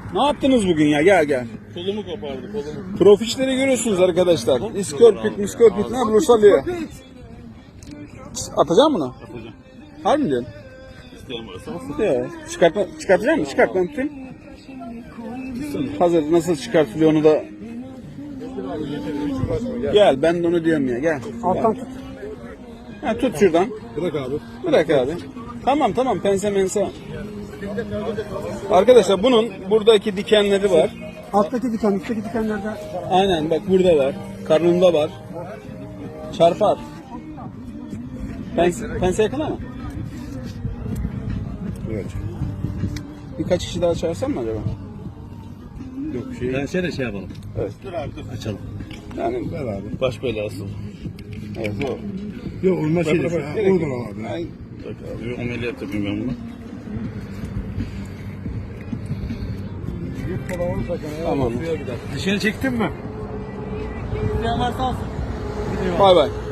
Ne yaptınız bugün ya? Gel gel. Kolumu kopardı kolumu. Profişleri görüyorsunuz arkadaşlar. İskorpit, miskorpit ne bulursa alıyor. Atacağım bunu. Atacağım. Harbi mi diyorsun? İsteyen varsa alsın. Ya. Çıkartacak mısın? Çıkart ben tutayım. Hazır nasıl çıkartılıyor onu da. Gel ben de onu diyorum ya gel. Alttan tut. Ha, tut şuradan. Bırak abi. Bırak abi. Tamam pense mense. Arkadaşlar bunun buradaki dikenleri var. Alttaki diken, üstteki dikenlerde. Aynen bak burada var. Karnında var. Çarpar. Pense yakın ama. Evet. Birkaç kişi daha çağırsam mı acaba? Yok Ben de şey yapalım. Evet. Dur abi dur. Açalım. Yani Ver abi. Baş belası. evet o. Yok olmaz şey. Bak, Oradan al abi. Ay, Bak abi ameliyat yapayım ben bunu. Tamam. Dışarı çektin mi? Bay bay.